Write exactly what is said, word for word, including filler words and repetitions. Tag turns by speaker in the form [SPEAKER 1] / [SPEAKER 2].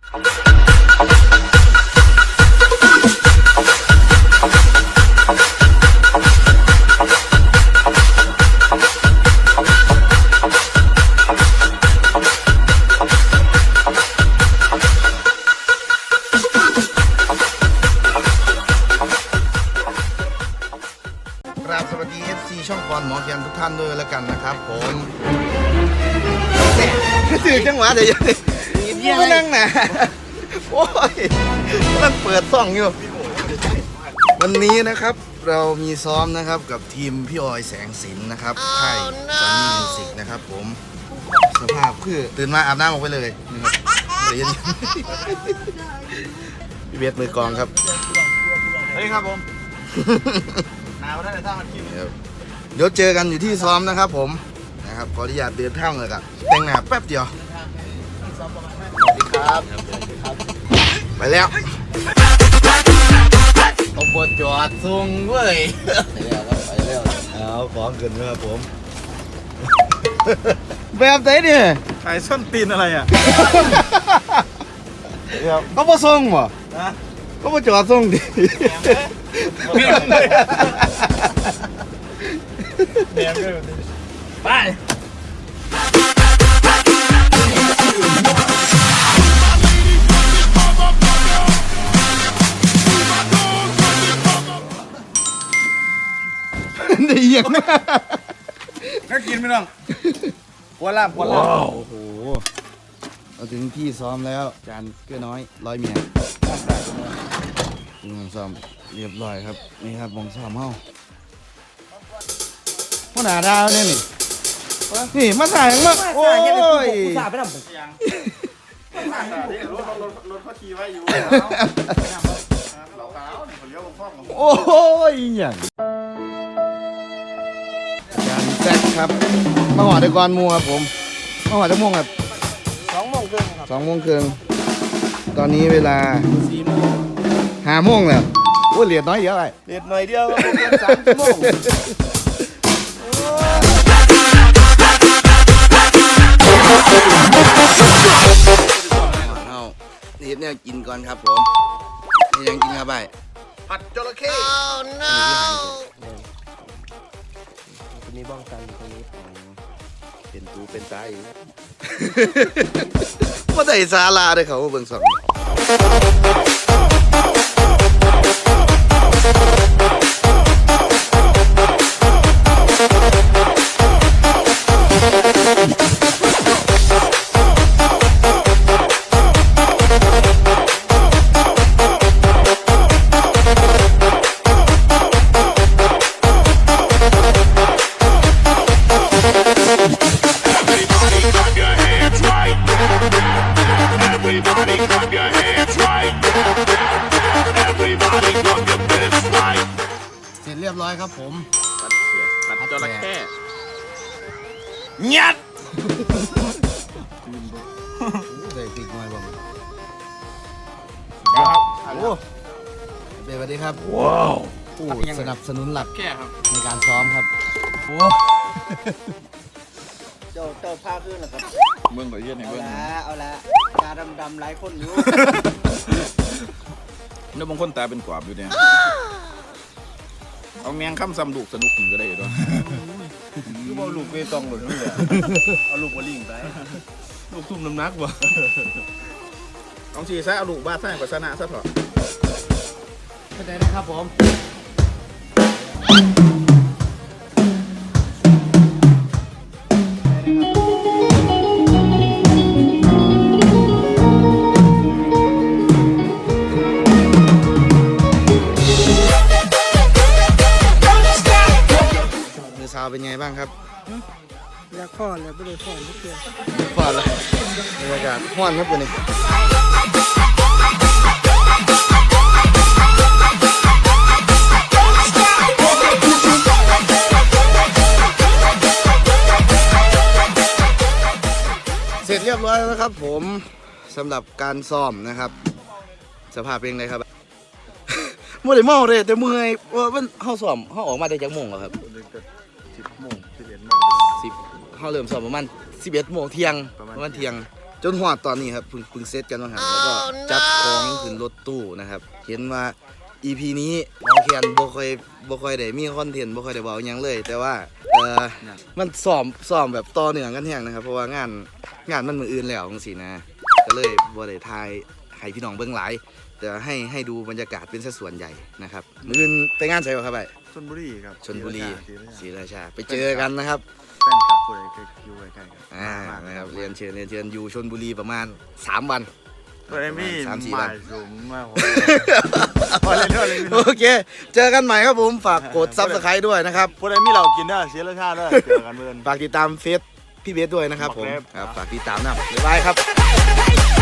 [SPEAKER 1] สวัสดี เอฟ ซี ช่องปอนหมอแคนทุกท่านด้วยแล้วกันนะครับผมถือจังหวะเดี๋ยวยังไม่นั่งนะโอ้ยมันเปิดซ่องอยู่วันนี้นะครับเรามีซ้อมนะครับกับทีมพี่ออยแสงสินนะครับค่ายซอนนี่มิวสิกนะครับผมสภาพคือตื่นมาอาบน้ำออกไปเลยนะครับเดี๋ยวพี่เบสมือกองครับ
[SPEAKER 2] เฮ้ยครับผมหนาวได้แต่ถ้ามันกิน
[SPEAKER 1] เดี๋ยวเจอกันอยู่ที่ซ้อมนะครับผมนะครับขออนุญาตเดินทางเลยครับแต่งหน้าแป๊บเดียว
[SPEAKER 2] สวัสดีครับ
[SPEAKER 1] ไปแล้ว
[SPEAKER 2] เอาบทจอดซุงเว้ยไปแล้วครับไปแล้ว
[SPEAKER 1] เอาของเกินนะครับผมแบบไหนเนี่ย
[SPEAKER 2] ขายส้นตีนอะไรอ่ะ
[SPEAKER 1] เขาบ่ส่งบ่เขาบ่จอดส่งดิ
[SPEAKER 2] ไป
[SPEAKER 1] นี่ยัง
[SPEAKER 2] น่ากินไหมน้องปวดล่ามปวดล่าม
[SPEAKER 1] โอ้โหเราถึงที่ซ้อมแล้วจานเกื้อน้อยร้อยเมียมองซ้อมเรียบร้อยครับนี่ครับมองซ้อมเฮาพ่อหน้าดาวเนี่ยนี่นี่มาถ่ายยังมาโอ้ย
[SPEAKER 2] สาไปทำยังรถรถรถเขาขี่ไว้อยู่เราขาวเขาเลี้ยวคล่อง
[SPEAKER 1] โอ้ยอย่างจานแซกครับมาหอดในกรมูครับผมมาหอดจะม่วงครับ
[SPEAKER 2] สองโมงครึ่งครับ
[SPEAKER 1] สองโมงครึ่งตอนนี้เวลา
[SPEAKER 2] สี่โมง
[SPEAKER 1] ห้าโมงแล้วโอ้เหรียญน้อยเดียวไอ้
[SPEAKER 2] เหรียญหน่อยเดียวสามชั่วโมง
[SPEAKER 1] เอานี่เนี่ยกินก่อนครับผมนี่ยังกินครับไป
[SPEAKER 2] ผัดจระเข้
[SPEAKER 1] คนนี้บ้องกันคนนี้เป็นตูเป็นตาอยู่ว่าแต่ซาลาเลยเขาเบิ่งสองเสร็จเรียบร้อยครับผม
[SPEAKER 2] ผัดจระเข้
[SPEAKER 1] ยัดใส่พริกหน่อยบ้างโอ้เบสสวัสดีครับว้าวผู้สนับสนุนหลัก
[SPEAKER 2] แค่ครับ
[SPEAKER 1] ในการซ้อมครับโอ้
[SPEAKER 3] เจ้าเจ้าผ้าขึ้นเหรอครับ
[SPEAKER 2] เมืองก่อยเยี่ยนในเมือง
[SPEAKER 3] เอาละเอาละตาดำๆหลายคนอยู่
[SPEAKER 2] แล้วบางคนตาเป็นกวาบอยู่เนี่ยเอาแมงข้ามซ้ำลูกสนุกก็ได้ด้วยคือเอาลูกเวตองหล่นนู่นเลยเอาลูกมาลิงไปลูกทุ่มน้ำหนักวะเอาชีซะเอาลูกบ้าสร้างกว่าชนะซะเถอะ
[SPEAKER 1] เข้าใจนะครับผมเป็นไงบ้างครับ
[SPEAKER 3] อยากพ่อเลยไม่ได้พ่อทุกเดือน
[SPEAKER 1] พ่อเลยบรรยากาศห้อนครับวันนี้เสร็จเรียบร้อยแล้วนะครับผมสำหรับการซ้อมนะครับสภาพเป็นไงครับไม่ได้เมาเลยแต่เมื่อยว่ามันเข้าซ้อมเข้าออกมาได้จากโมงเหรอครับ
[SPEAKER 2] สิบโมงสิบเอ็ดโมง
[SPEAKER 1] สิบเขาเริ่มสอบประมาณสิบเอ็ดโมงเที่ยงประมาณเที่ยงจนหอดตอนนี้ครับเพิ่งเพิ่งเซตกันมาหันแล้วก็จัดของขึ้นรถตู้นะครับเห็นว่า อี พี นี้หมอแคนบ่ค่อยบ่ค่อยได้มีคอนเทนต์บ่ค่อยได้เว้าหยังเลย แต่ว่าเอ่อมันซ้อมซ้อมแบบต่อเนื่องกันแฮงนะครับเพราะว่างานงานมันมื้ออื่นแล้วจังซี่นะก็เลยบ่ได้ถ่ายให้พี่น้องเบิ่งหลายแต่ให้ให้ดูบรรยากาศเป็นสัดส่วนใหญ่นะครับมื้ออื่นไปงานไสบ่ครับไป
[SPEAKER 2] ชลบุรีครับ
[SPEAKER 1] ชลบุรี
[SPEAKER 2] ศรี
[SPEAKER 1] ศรี
[SPEAKER 2] ราชา
[SPEAKER 1] ราชาไปเจอกันนะครับ
[SPEAKER 2] แฟนคลับผู้ใดเคยอยู่ใกล้ๆกัน
[SPEAKER 1] อ่านะครับเรียนเชิญเรียนเชิญอยู่ชลบุรีประมาณสามวัน
[SPEAKER 2] ตัวเอมี่
[SPEAKER 1] สามสี่
[SPEAKER 2] ห
[SPEAKER 1] วั
[SPEAKER 2] มาน ยสูงมากพอเล่นด้วยเลย
[SPEAKER 1] โอเค เจอกันใหม่ครับผม ฝากกดซับสไครต์ด้วยนะครับ
[SPEAKER 2] ผู้ใดมีเรากินได้เสียราชาด้วยเจอกันเมื่อน
[SPEAKER 1] ฝากติดตามเฟซพี่เบสด้วยนะครับผม
[SPEAKER 2] บอกแล้ว
[SPEAKER 1] ครับฝากติดตามนะบ๊ายบายครับ